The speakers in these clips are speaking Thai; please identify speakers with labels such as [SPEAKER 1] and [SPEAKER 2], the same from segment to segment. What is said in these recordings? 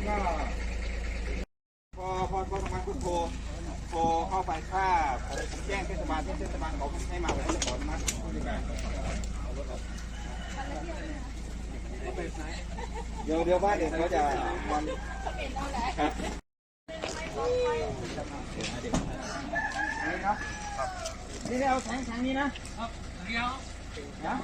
[SPEAKER 1] ก็พอทำงานคุณโทรเข้าไปถ้าผมแจ้งเทศบาลเขาให้มาผมจะขออนุมัติผู้จัดการเดี๋ยวว่าเดี๋ยวเขาจะมันครับนี่เอาแสงนี้นะครับเดี๋ยวนะ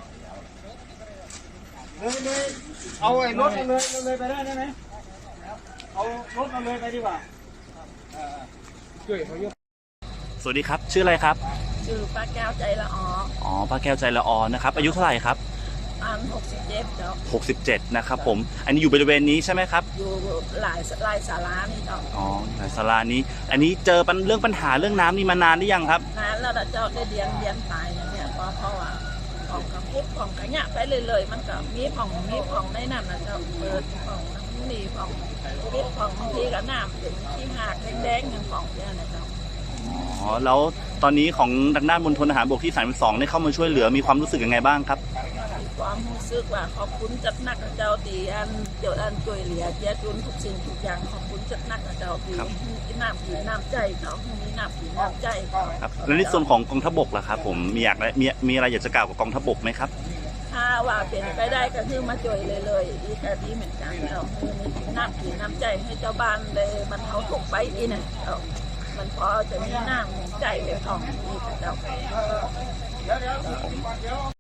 [SPEAKER 1] เลยเอาไอ้รถเลยไปได้ไหมเอารถเราเลยไปดีกว่าช่วยเขายก
[SPEAKER 2] สวัสดีครับชื่ออะไรครับ
[SPEAKER 3] ชื่อป้าแก้วใจละออ
[SPEAKER 2] อ๋อป้าแก้วใจละออนะครับอายุเท่าไหร่ครับ
[SPEAKER 3] 67เจ้า
[SPEAKER 2] 67นะครับผมอันนี้อยู่บริเวณนี้ใช่ไหมครับ
[SPEAKER 3] อยู่หลายศาลานี่เจ้า
[SPEAKER 2] อ๋อหลายศาลานี้อันนี้เจอเรื่องปัญหาเรื่องน้ำนี่มานานหรือยังครับ
[SPEAKER 3] นานแล้วเจ้าได้เรียนตายเนี่ยเพราะว่าของกระพุ้ของกระหยะไปเลยมันก็มีของในนั้นนะเจ้าเปิดของนี่ของพิษของบางทีก็น้ำเป็นที่หากแดงๆอย่างของเนี่ยนะเจ้า
[SPEAKER 2] อ๋อแล้วตอนนี้ของทางด้านมณฑลทหารบกที่32ได้เข้ามาช่วยเหลือมีความรู้สึกยังไงบ้างครับ
[SPEAKER 3] ความรู้สึกว่าขอบคุณจัดนักเจ้าตีช่วยเหลือเจ้าจุนทุกสิ่งทุกอย่างขอบคุณจัดนักเจ้าตีน้ำใจเขามีน้ำใจ
[SPEAKER 2] ครับแล้วในส่วนของกองทัพบกล่ะครับผมมีอะไรอยากจะกล่าวกับกองทัพบกไหมครับ
[SPEAKER 3] ถ้าว่าเป็นไปได้ก็คือมาช่วยเลยอีแค่นี้เหมือนกันเราคือมีน้ำใจให้เจ้าบ้านเลยมันเขาถูกไปอีนะมันพอจะมีน้ำใจเป็นของอีกเจ้า